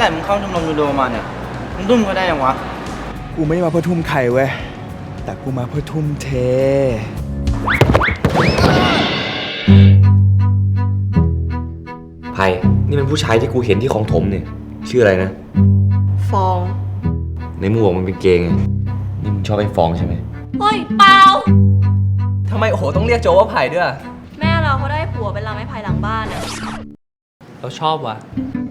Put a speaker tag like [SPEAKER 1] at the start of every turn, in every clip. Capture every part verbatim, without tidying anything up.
[SPEAKER 1] แต่มึงเข้าชมรมยูโดมาเนี่ยมึงดุ้มก็ได้ยังวะ
[SPEAKER 2] กูไม่ได้มาเพื่อทุ่มไข่เว้ยแต่กูมาเพื่อทุ่มเท
[SPEAKER 3] ไผ่นี่มันผู้ชายที่กูเห็นที่ของถมเนี่ยชื่ออะไรนะ
[SPEAKER 4] ฟอง
[SPEAKER 3] ในมึงบอกมันเป็นเกย์ไงนี่มึงชอบไอ้ฟองใช่ไหม
[SPEAKER 4] เฮ้ยเปล่า
[SPEAKER 5] ทำไมโอ้โหต้องเรียกโจว่าไผ่ด้วย
[SPEAKER 4] แม่เราเขาได้ผัวเป็นลำไม้ไผ่หลังบ้านอะ
[SPEAKER 5] เราชอบว่ะ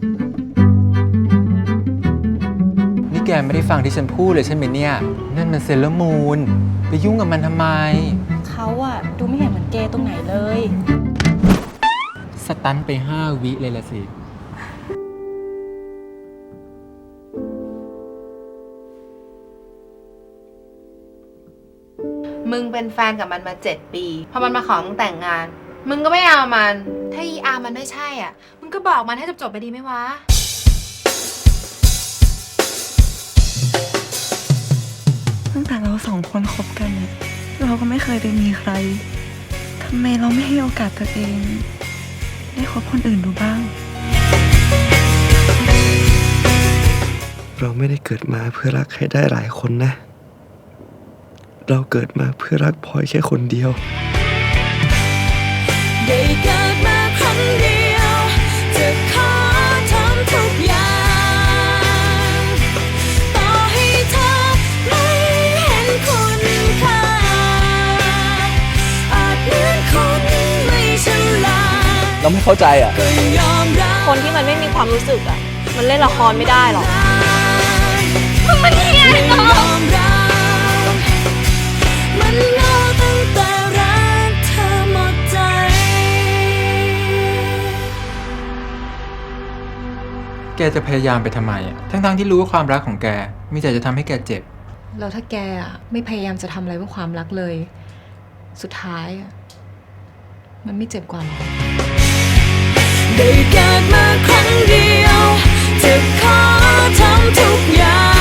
[SPEAKER 5] นี่แกไม่ได้ฟังที่ฉันพูดเลยใช่ไหมเนี่ยนั่นมันเซเลอร์มูนไปยุ่งกับมันทำไม
[SPEAKER 4] เขาอะดูไม่เห็นเหมือนเกย์ตรงไหนเลย
[SPEAKER 5] สตันไปห้าวิเลยละสิ
[SPEAKER 6] มึงเป็นแฟนกับมันมาเจ็ดปีพอมันมาขอมึงแต่งงานมึงก็ไม่เอามันถ้าอีอาร์มันไม่ใช่อ่ะมึงก็บอกมันให้จบๆไปดีไหมวะ
[SPEAKER 7] ตั้งแต่เราสองคนคบกันเราก็ไม่เคยได้มีใครทำไมเราไม่ให้โอกาสตัวเองได้คบคนอื่นดูบ้าง
[SPEAKER 2] เราไม่ได้เกิดมาเพื่อรักให้ได้หลายคนนะเราเกิดมาเพื่อรักพลอยแค่คนเดียว
[SPEAKER 8] ได้เกิดมาครั้งเดียวจะขอทำทุกอย่างต่อให้เธอไม่เห็นคุณค่าอาจเหมือนคนไม่ฉลาด
[SPEAKER 5] เราไม่เข้าใจอ่ะ
[SPEAKER 4] คนที่มันไม่มีความรู้สึกอ่ะมันเล่นละครไม่ได้หรอกมันเหี้ยเนาะ
[SPEAKER 8] มันเล่าตั้งแต่รักเธอหมดใจ
[SPEAKER 5] แกจะพยายามไปทำไมอ่ะทั้งๆที่รู้ว่าความรักของแกมีแต่จะทำให้แกเจ็บ
[SPEAKER 9] แล้วถ้าแกอ่ะไม่พยายามจะทำอะไรเพื่อความรักเลยสุดท้ายอ่ะมันไม่เจ็บกว่าหรอ
[SPEAKER 8] ได้เกิดมาครั้งเดียวจะขอทำทุกอย่าง